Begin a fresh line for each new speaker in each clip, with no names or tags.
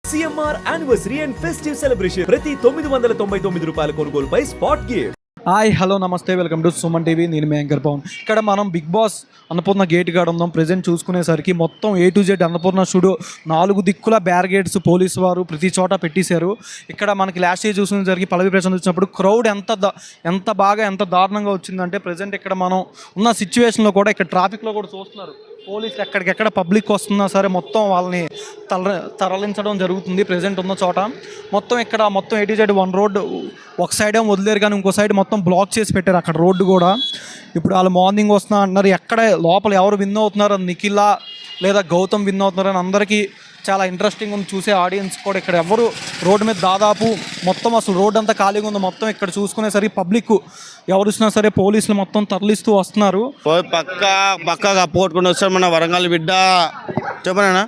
CMR anniversary and festive celebration ప్రతి 999 రూపాయల కొనుగోలుపై స్పాట్ గిఫ్ట్.
హాయ్ హలో నమస్తే, వెల్కమ్ టు సుమన్ టీవీ. నేను మీ యాంకర్ పవన్. ఇక్కడ మనం బిగ్ బాస్ అన్నపూర్ణ గేట్ కాడ ఉన్నాం. ప్రజెంట్ చూసుకునేసరికి మొత్తం A to Z Annapurna studio 4 దిక్కుల బ్యారిగేడ్స్ పోలీసు వారు ప్రతి చోట పెట్టేశారు. ఇక్కడ మనకి లాస్ట్ ఇయర్ చూసుకునేసరికి పల్లవి ప్రశాంత్ వచ్చినప్పుడు క్రౌడ్ ఎంత దారుణంగా వచ్చిందంటే ప్రజెంట్ ఇక్కడ మనం ఉన్న సిచ్యువేషన్లో కూడా ఇక్కడ ట్రాఫిక్లో కూడా చూస్తున్నారు. పోలీసులు ఎక్కడికెక్కడ పబ్లిక్ వస్తున్నా సరే మొత్తం వాళ్ళని తరలించడం జరుగుతుంది. ప్రజెంట్ ఉన్న చోట ఇక్కడ మొత్తం A to Z 1 రోడ్డు ఒక సైడ్ ఏమో వదిలేరు, కానీ ఇంకో సైడ్ మొత్తం బ్లాక్ చేసి పెట్టారు అక్కడ రోడ్డు కూడా. ఇప్పుడు వాళ్ళు మార్నింగ్ వస్తున్నా అంటున్నారు. ఎక్కడ లోపల ఎవరు విన్ అవుతున్నారు, నిఖిలా లేదా గౌతమ్ విన్ అవుతున్నారని అందరికీ చాలా ఇంట్రెస్టింగ్ ఉంది. చూసే ఆడియన్స్ కూడా ఇక్కడ ఎవరు రోడ్డు మీద దాదాపు మొత్తం అసలు రోడ్డు అంతా ఖాళీగా ఉంది. మొత్తం ఇక్కడ చూసుకునేసరికి పబ్లిక్ ఎవరు వచ్చినా సరే పోలీసులు మొత్తం తరలిస్తూ వస్తున్నారు.
పక్కా పోట్టుకుని వస్తారు మన వరంగల్ బిడ్డ. చెప్పనా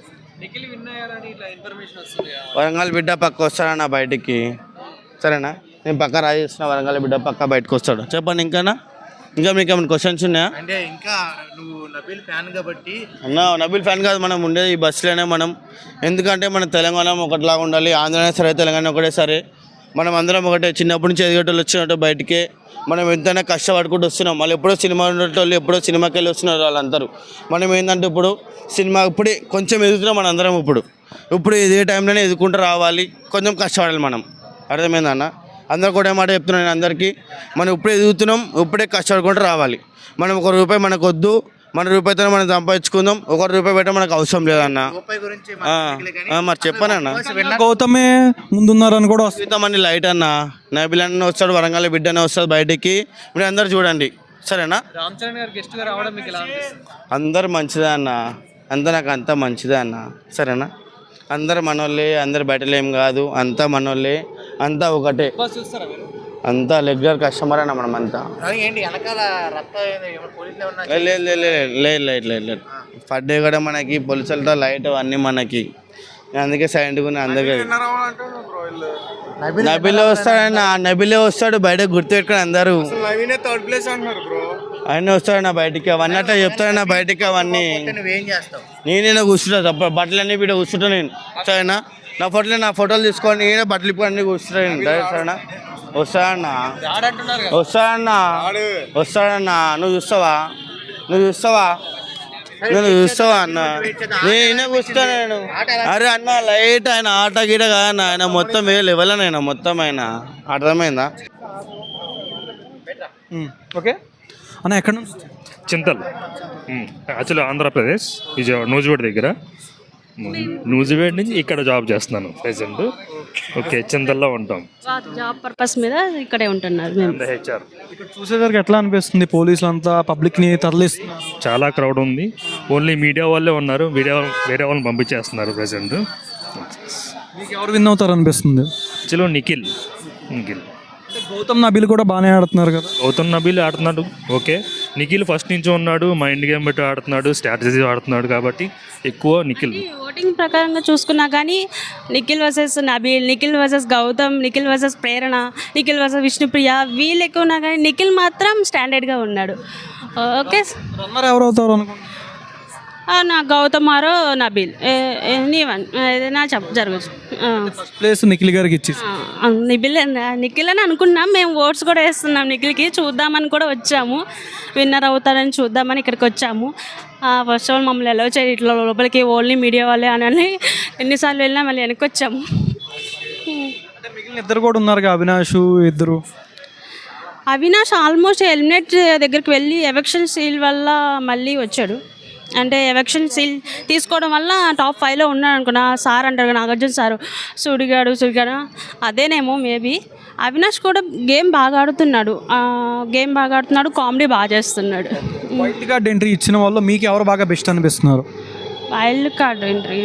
వరంగల్ బిడ్డ పక్క వస్తాడన్నా బయటికి, సరేనా? నేను పక్క రాజేసిన వరంగల్ బిడ్డ పక్క బయటకు వస్తాడు. చెప్పండి ఇంకా మీకు ఏమైనా క్వశ్చన్స్ ఉన్నాయా?
అంటే ఇంకా నువ్వు నబీల్ ఫ్యాన్ కాబట్టి
అన్న నబీల్ ఫ్యాన్ కాదు, మనం ఉండేది ఈ బస్సులోనే మనం. ఎందుకంటే మన తెలంగాణ ఒకటిలాగా ఉండాలి, ఆంధ్ర సరే తెలంగాణ ఒకటే సరే, మనం అందరం ఒకటే. చిన్నప్పటి నుంచి ఎదిగేటోళ్ళు వచ్చినట్టు బయటికే మనం ఎంతైనా కష్టపడుకుంటూ వస్తున్నాం. మళ్ళీ ఎప్పుడో సినిమా ఉండేటోళ్ళు ఎప్పుడో సినిమాకి వెళ్ళి వస్తున్నారు వాళ్ళందరూ. మనం ఏంటంటే ఇప్పుడు సినిమా ఇప్పుడే కొంచెం ఎదుగుతున్నాం మన అందరం. ఇప్పుడు ఇదే టైంలోనే ఎదుర్కొంటూ రావాలి, కొంచెం కష్టపడాలి మనం. అర్థమైందన్న? అందరు కూడా ఏమాట చెప్తున్నాను నేను అందరికీ, మనం ఇప్పుడే ఎదుగుతున్నాం, ఇప్పుడే కష్టపడుకుంటూ రావాలి. మనం ₹1 మనకు వద్దు, మన రూపాయితో మనం సంపాదించుకుందాం. ₹1 పెట్ట మనకు అవసరం లేదన్న. మరి చెప్పానన్న,
గౌతమే ముందున్నారని కూడా
వస్తామని లైట్ అన్న, నబీల్ అన్న వస్తాడు, వరంగల్ బిడ్డనే వస్తాడు బయటికి. మీరు అందరు చూడండి, సరేనా? అందరు మంచిదే అన్న, నాకు అంతా మంచిదే అన్న, సరేనా? అందరు మనోళ్ళే, అందరు బయటలేం కాదు, అంతా మనోళ్ళే, అంతా ఒకటే, అంతా రెగ్యులర్ కస్టమర్ అన్న మనం అంతా. లేదు ఫడ్ కూడా మనకి పోలీసులతో లైట్ అన్నీ మనకి, అందుకే సైలెంట్గా ఉన్నాయి అందరికీ. నబీలే వస్తాడు బయటకు గుర్తుపెట్టుకుని అందరూ. ఆయన వస్తాడన్నా బయటికి, అవన్నీ అట్లా చెప్తాడన్నా బయటికి. అవన్నీ నేనే కూర్చుంటా, తప్ప బట్టలన్నీ వీడ కూర్చుంటా నేను, సరేనా? నా ఫోటోలు తీసుకొని నేనే బట్టలు ఇప్పుడు అన్నీ కూర్చుంటా నేను, సరేనా? వస్తాడన్నా నువ్వు చూస్తావా అన్న? నేనే కూర్చుంటా నేను. అరే అన్న లైట్ ఆయన ఆట గీట కాదన్న, ఆయన మొత్తం లెవెల్ ఆయన మొత్తం ఆయన. అర్థమైందా?
ఓకే అన్న. ఎక్కడ నుంచి?
చింతల్, యాక్చువల్లీ ఆంధ్రప్రదేశ్, విజయవాడ నూజివేడ్ దగ్గర. నూజివేడ్ నుంచి ఇక్కడ జాబ్ చేస్తున్నాను ప్రెసెంట్. ఓకే, చింతల్లో ఉంటాం.
జాబ్ పర్పస్ మీద ఇక్కడే ఉంటున్నారు మేము.
హెచ్ఆర్.
ఇక్కడ చూసేసరికి ఎట్లా అనిపిస్తుంది? పోలీసులు అంతా పబ్లిక్ని తరలిస్తున్నారు,
చాలా క్రౌడ్ ఉంది. ఓన్లీ మీడియా వాళ్ళే ఉన్నారు, వేరే వాళ్ళని పంపించేస్తున్నారు ప్రెసెంట్.
మీకు ఎవరు విన్ అవుతారు అనిపిస్తుంది?
యాక్చువల్లీ నిఖిల్.
గౌతమ్ నబీల్ కూడా బాగానే ఆడుతున్నారు కదా?
గౌతమ్ నబీల్ ఆడుతున్నాడు, ఓకే. నిఖిల్ ఫస్ట్ నుంచి ఉన్నాడు, మైండ్ గేమ్ బట్టి ఆడుతున్నాడు, స్ట్రాటజీ ఆడుతున్నాడు, కాబట్టి ఎక్కువ నిఖిల్.
ఓటింగ్ ప్రకారంగా చూసుకున్నా కానీ Nikhil versus Nabeel, Nikhil versus Gautham, Nikhil versus Prerana, Nikhil versus Vishnupriya, వీళ్ళు ఎక్కువ ఉన్నా కానీ నిఖిల్ మాత్రం స్టాండర్డ్గా ఉన్నాడు. ఓకే,
రన్నర్ ఎవరు అవుతారు అనుకుంటున్నారు?
నా గౌతమ్ ఆరో నబీల్, నీవన్ ఏదైనా జరగచ్చు.
ఫస్ట్ ప్లేస్ నిఖిల్ గారికి ఇచ్చేసి
నిఖిల్ అని అనుకున్నాం మేము. ఓట్స్ కూడా వేస్తున్నాం నిఖిల్కి, చూద్దామని కూడా వచ్చాము. విన్నర్ అవుతారని చూద్దామని ఇక్కడికి వచ్చాము. ఫస్ట్ ఆఫ్ ఆల్ మమ్మల్ని ఎలా వచ్చారు ఇట్లా లోపలికి, ఓన్లీ మీడియా వాళ్ళే అని ఎన్నిసార్లు వెళ్ళినా మళ్ళీ వెనక్కి వచ్చాము.
మిగిలిన ఇద్దరు కూడా ఉన్నారు, అవినాష్ ఇద్దరు.
అవినాష్ ఆల్మోస్ట్ ఎలిమినేట్ దగ్గరికి వెళ్ళి ఎలక్షన్ సీల్ వల్ల మళ్ళీ వచ్చాడు. అంటే ఎలక్షన్ సీల్ తీసుకోవడం వల్ల టాప్ 5లో ఉన్నాడు అనుకున్నా. సార్ అంటారు నాగార్జున సారు, సుడిగాడు అదేనేమో మేబీ. అవినాష్ కూడా గేమ్ బాగా ఆడుతున్నాడు, కామెడీ బాగా చేస్తున్నాడు.
వైల్డ్ కార్డ్ ఎంట్రీ ఇచ్చిన వాళ్ళు మీకు ఎవరు బాగా బెస్ట్ అనిపిస్తున్నారు?
Wild card entry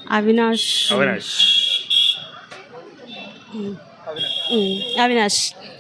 Avinash.